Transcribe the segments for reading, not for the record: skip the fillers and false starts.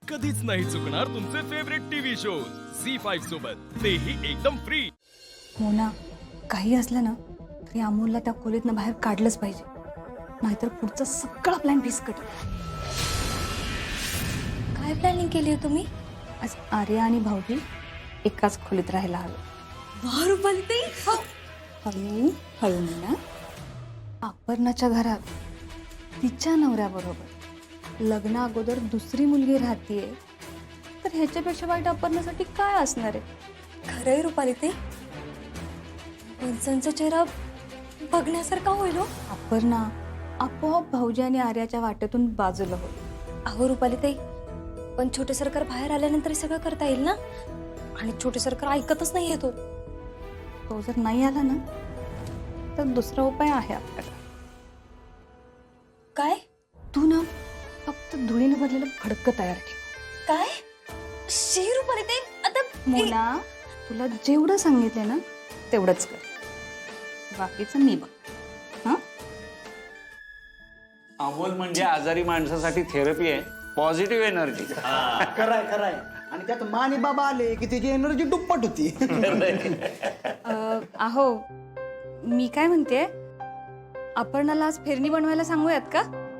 कधीच नाही चुकणार तुमचे फेवरेट टीव्ही शोज झी5 सोबत, तेही एकदम फ्री. मोना, काही असलं ना तरी अमोलला त्या खोलीतनं बाहेर काढलंच पाहिजे, नाहीतर पुढचा सगळा प्लॅन फिसकट. काय प्लॅनिंग केली आहे तुम्ही? आज आर्या आणि भाऊजी एकाच खोलीत राहायला हवे. वाह रुपाली, हळू हळू मोना. अपर्णाच्या घरात तिच्या नवऱ्याबरोबर लग्ना अगोदर दुसरी मुलगी राहतीये, तर ह्याच्यापेक्षा वाईट अपर्णासाठी काय असणार आहे? खरंय रुपाली ताई, पंचांचा चेहरा बघण्यासारखा होईल हो. अपर्णा आपोआप भाऊजी आणि आर्याच्या वाटेतून बाजूला होईल. अहो रुपाली ताई, पण छोटे सरकार बाहेर आल्यानंतर हे सगळं करता येईल ना? आणि छोटे सरकार ऐकतच नाही येतो. तो जर नाही आला ना तर दुसरा उपाय आहे आपल्याला. काय? तू ना फक्त धुळीने भरलेलं फडकं तयार ठेव. काय? शी रुपाली ताई, आता मोना, तुला जेवढं सांगितलंय ना तेवढंच कर, बाकीचं मी बघ. हा, अमोल म्हणजे आजारी माणसासाठी थेरपी आहे, पॉझिटिव्ह एनर्जी. खराय खराय. आणि त्यात मानी बाबा आले की त्याची एनर्जी दुप्पट होती. अहो मी काय म्हणते, अपर्णाला आज फेरणी बनवायला सांगूयात का?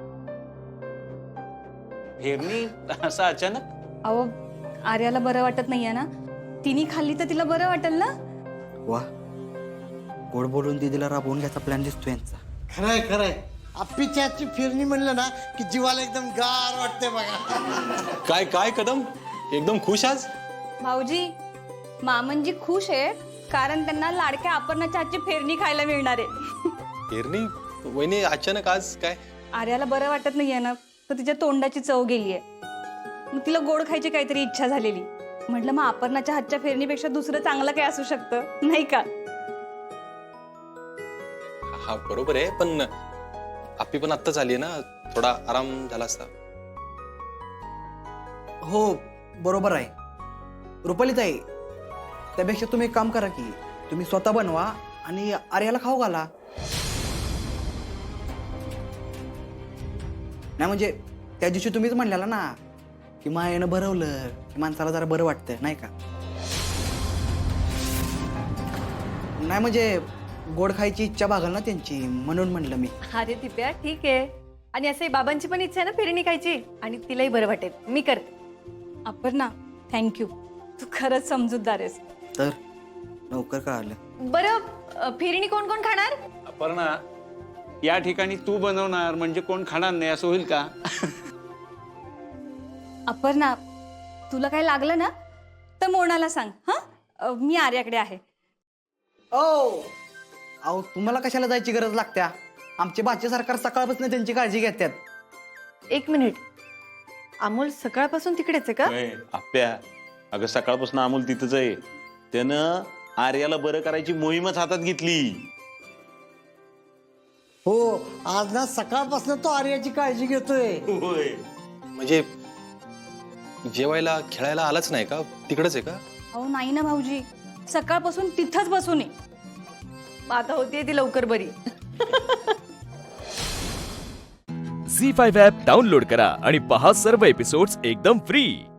फेरणी असं अचानक? अहो आर्याला बरं वाटत नाहीये ना, तिने खाल्ली तर तिला बरं वाटेल ना. वा, गोड बोलून दीदीला राबवून घ्यायचा प्लॅन दिसतो यांचा. खरंय खरंय. आप्पीची आजची फिरणी म्हणलं ना की जीवाला एकदम गार वाटते बघा. काय काय कदम, एकदम खुश आज? भाऊजी, मामनजी खुश आहे कारण त्यांना लाडक्या अपर्णाच्या हातची फेरणी खायला मिळणार आहे. पेरणी वहिनी अचानक आज काय? आर्याला बरं वाटत नाहीये ना, तर तिच्या तोंडाची चव गेलीये, मग तिला गोड खायची काहीतरी इच्छा झालेली. म्हटलं मग अपर्णाच्या हातच्या फेरणीपेक्षा दुसरं चांगलं काय असू शकतं, नाही का? हा बरोबर आहे, पण आपली पण आत्ताच आली ना, थोडा आराम झाला असता. हो बरोबर आहे रुपालीताई. त्यापेक्षा तुम्ही एक काम करा की तुम्ही स्वतः बनवा आणि आर्याला खाऊ घाला. नाही म्हणजे त्या दिवशी तुम्हीच म्हणलेला ना की मायेनं भरवलं की माणसाला जरा बरं वाटतं, नाही का? नाही म्हणजे गोड खायची इच्छा भागल ना त्यांची, म्हणून म्हणलं मी. अरे दिप्या, ठीक आहे. आणि असं बाबांची पण इच्छा आहे ना फिरणी खायची, आणि तिलाही बरं वाटेल. मी करते. अपर्णा, थँक्यू, तू खरंच समजूतदार आहेस. तर लवकर कळालं. बरं, फिरणी कोण कोण खाणार? अपर्णा, या ठिकाणी तू बनवणार म्हणजे कोण खाणार नाही असं होईल का? अपर्णा, तुला काय लागलं ना तर मोनाला सांग. हा, मी आर्याकडे आहे. ओ अहो, तुम्हाला कशाला जायची गरज लागत्या? आमचे भाचे सरकार सकाळपासून त्यांची काळजी घेतात. एक मिनिट, अमोल सकाळपासून तिकडेच आहे का? आप्या, अगं सकाळपासून अमोल तिथंच आहे. त्यानं आर्याला बरं करायची मोहीमच हातात घेतली. हो, आज ना सकाळपासून तो आर्याची काळजी घेतोय. म्हणजे जेवायला खेळायला आलाच नाही का? तिकडच आहे का? अहो नाही ना भाऊजी, सकाळपासून तिथंच बसून आहे. आता होतीये ती लवकर बरी. झी5 ॲप डाउनलोड करा आणि पहा सर्व एपिसोड्स एकदम फ्री.